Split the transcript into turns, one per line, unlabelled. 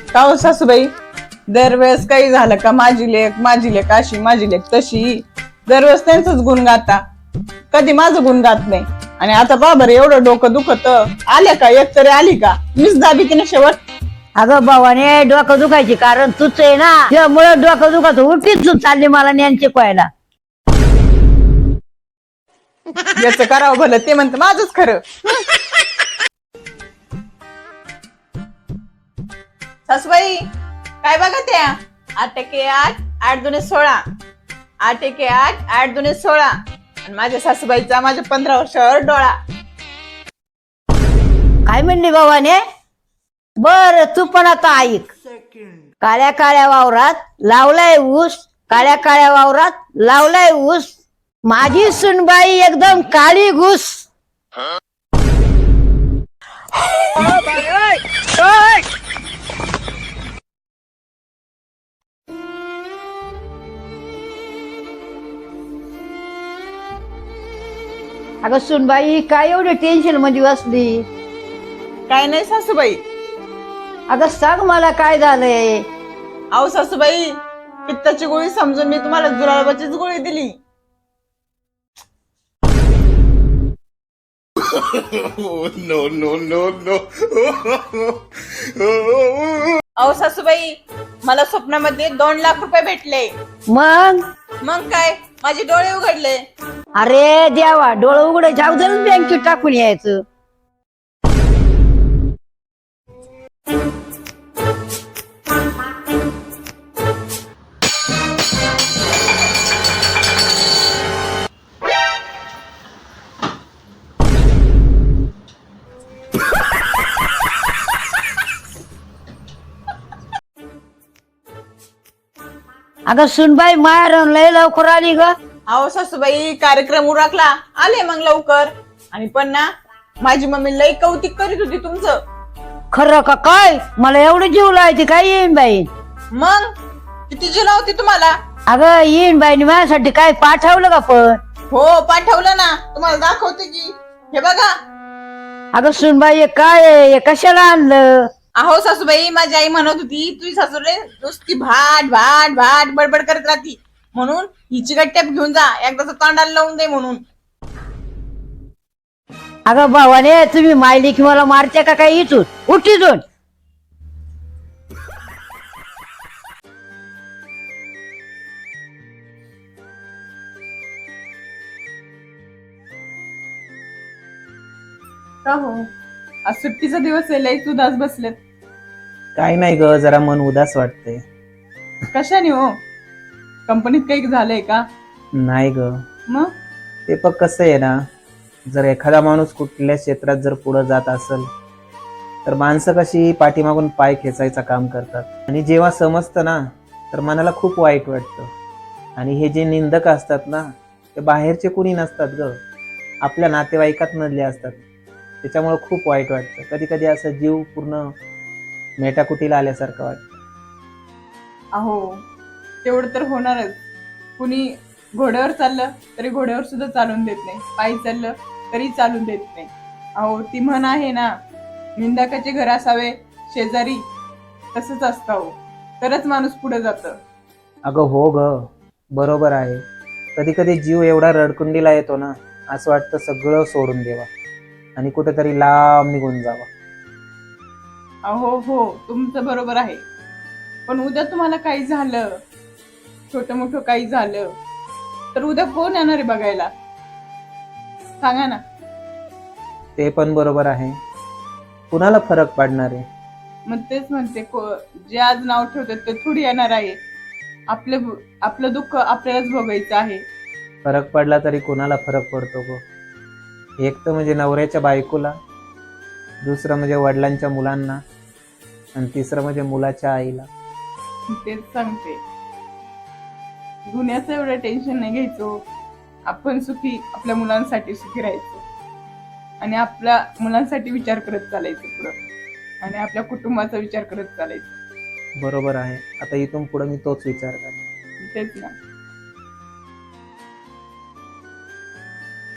का हो सासूबाई, दरवेळेस काही झालं का माझी लेक अशी माझी लेक तशी, दरवेळेस त्यांचंच गुण गाता, कधी माझं गुण गात नाही. आणि आता बाबर एवढं डोकं दुखत आल्या का, एक तरी आली का, मीच दाबी की नाही शेवट.
अगं भावाने डोकं दुखायची कारण तूच आहे ना, त्यामुळे डोकं दुखत उठीच तू चालली मला ज्ञान शिकवायला.
याचं करावं भलं ते म्हणतं माझंच खरं. सासूबाई काय बघा त्या, 8 एके 8 8 दुने 16, 8 एके 8 8 दुने 16. आणि माझ्या सासूबाईचा माझ्या 15 वर्षावर डोळा.
काय म्हणली भावाने? बर तू पण आता ऐक. काळ्या काळ्या वावरात लावलाय ऊस, काळ्या काळ्या वावरात लावलाय ऊस, माझी सुनबाई एकदम काळी घुस. अगं सुनबाई काय एवढी टेन्शन मध्ये बसली?
काय नाही सासूबाई.
अगं सांग मला काय झालंय?
अहो सासूबाई, पित्ताची गोळी समजून मी तुम्हाला जुलाबाचीच गोळी दिली. no. अहो सासूबाई, मला स्वप्नामध्ये 2 लाख रुपये भेटले.
मग
काय माझे डोळे उघडले.
अरे देवा, डोळं उघडे जाऊ दे ना, बँकेत टाकून यायचं. अगं सुनबाई माया लय लवकर आली ग.
अहो सासूबाई, कार्यक्रम उरकला आले मग लवकर. आणि पण ना, माझी मम्मी लई कौतिक करीत होती तुमचं.
खरं का काय? मला एवढं जीव लावायची काय येईन बाई?
मग किती जीव लावती तुम्हाला.
अगं येईन बाईने माझ्यासाठी काय पाठवलं का पण?
हो पाठवलं ना, तुम्हाला दाखवते की, हे बघा.
अगं सुनबाई काय आहे? हे कशाला आणलं?
अहो सासूबाई, माझी आई म्हणत होती तुझी सासूरे नुसती भाट भाट भाट बडबड करत राहती, म्हणून ही चिकट टेप घेऊन जा, एकदाच तोंडाला लावून दे म्हणून.
अगं भावाने, तुम्ही मायली की मला मारते का काय? इथून उठ इथून.
का हो, आज सुट्टीचा दिवस आहे, लई उदास बसलेत.
काय नाही ग, जरा मन उदास वाटते.
कशाने हो? कंपनीत काही झालंय का?
नाही ग,
मग
ते पण कसं आहे ना, जर एखादा माणूस कुठल्या क्षेत्रात जर पुढे जात असेल तर माणसं कशी पाठीमागून पाय खेचायचं काम करतात. आणि जेव्हा समजतं ना, तर मनाला खूप वाईट वाटतं. आणि हे जे निंदक असतात ना, ते बाहेरचे कुणी नसतात ग, आपल्या नातेवाईकात मधले असतात. त्याच्यामुळे खूप वाईट वाटतं. कधी कधी असं जीव पूर्ण मेटाकुटीला आल्यासारखं वाटतं.
अहो, तेवढं तर होणारच. कुणी घोड्यावर चाललं तरी घोड्यावर सुद्धा चालून देत नाही, पायी चाललं तरी चालून देत नाही. अहो, ती म्हण आहे ना, निंदकाचे घर असावे शेजारी, तसंच असतं हो, तरच माणूस पुढे जातं.
अगं हो ग, बरोबर आहे. कधी कधी जीव एवढा रडकुंडीला येतो ना, असं वाटतं सगळं सोडून द्यावा आणि कुठेतरी लांब निघून जावा.
अहो हो, तुमचं बरोबर आहे. पण उद्या तुम्हाला काही झालं, छोटं मोठं काही झालं, तर उद्या कोण येणार आहे बघायला? सांगा ना.
ते पण बरोबर आहे. कुणाला फरक पडणार आहे?
मग तेच म्हणते, जे आज नाव ठेवतात ते थोडी येणार आहे. आपलं दुःख आपल्यालाच भोगायचं आहे.
फरक पडला तरी कुणाला फरक पडतो गो? एक तर म्हणजे नवऱ्याच्या बायकोला, दुसरं म्हणजे वडिलांच्या मुलांना, आणि तिसरं म्हणजे मुलाच्या आईला.
तेच सांगते, गुन्ह्याचं एवढं टेन्शन नाही घ्यायचो. आपण सुखी, आपल्या मुलांसाठी सुखी राहायचो आणि आपल्या मुलांसाठी विचार करत चालायचं पुढं, आणि आपल्या कुटुंबाचा विचार करत चालायचं.
बरोबर आहे. आता इथून पुढे मी तोच विचार करतो.
तेच ना.